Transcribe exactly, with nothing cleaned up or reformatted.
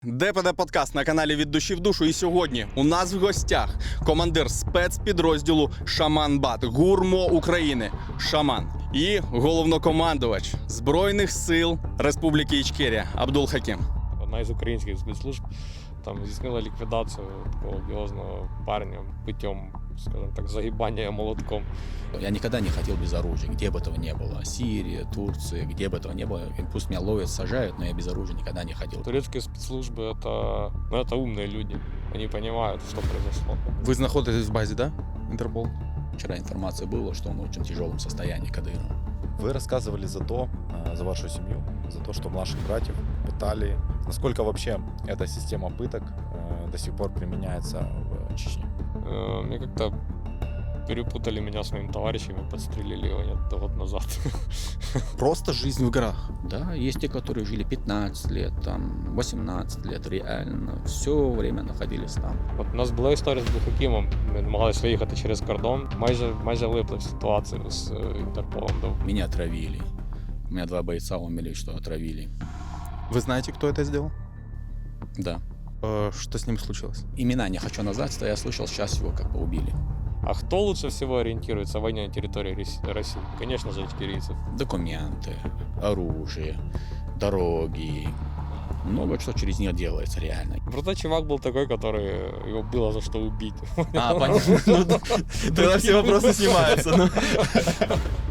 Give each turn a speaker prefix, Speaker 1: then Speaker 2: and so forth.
Speaker 1: ДПД подкаст на каналі «Від душі в душу». І сьогодні у нас в гостях командир спецпідрозділу «Шаман-Бат», ГУРМО України «Шаман» і головнокомандувач Збройних сил Республіки Ічкерія Абдул Хакім.
Speaker 2: Одна із українських спецслужб там здійснила ліквідацію такого одіозного парня путем, скажем так, загибання молотком.
Speaker 3: Я никогда не хотел без оружия, где бы этого не было. Сирия, Турция, где бы этого не было. Пусть меня ловят, сажают, но я без оружия никогда не ходил.
Speaker 2: Турецкие спецслужбы — это, ну, это умные люди. Они понимают, что произошло.
Speaker 1: Ви знаходитесь в базі, да? Інтерпол?
Speaker 3: Вчера информация была, что он в очень тяжелом состоянии, Кадыров.
Speaker 4: Вы рассказывали за то, за вашу семью, за то, что младших братьев пытали. Насколько вообще эта система пыток до сих пор применяется в Чечне?
Speaker 2: Э, Мне как-то перепутали меня с моим товарищем и подстрелили его где-то год назад.
Speaker 1: Просто жизнь в горах.
Speaker 3: Да, есть те, которые жили пятнадцать лет, там, восемнадцать лет, реально, все время находились там.
Speaker 2: От у нас була історія з Бухакімом. Ми намагалися виїхати через кордон. Майже, майже влипли в ситуацію з е, Інтерполом.
Speaker 3: Меня отравили. У меня два бойца умели, что отравили.
Speaker 1: Вы знаете, кто это сделал?
Speaker 3: Да.
Speaker 1: Э, что с ним случилось?
Speaker 3: Имена не хочу назвать, что я слышал, сейчас его как бы убили.
Speaker 2: А кто лучше всего ориентируется в войне на территории Рос- России? Конечно же, ичкерийцев.
Speaker 3: Документы, оружие, дороги. Много что через них делается реально.
Speaker 2: Просто чувак был такой, который его было за что убить.
Speaker 3: А, понятно.
Speaker 1: Тогда все вопросы снимаются.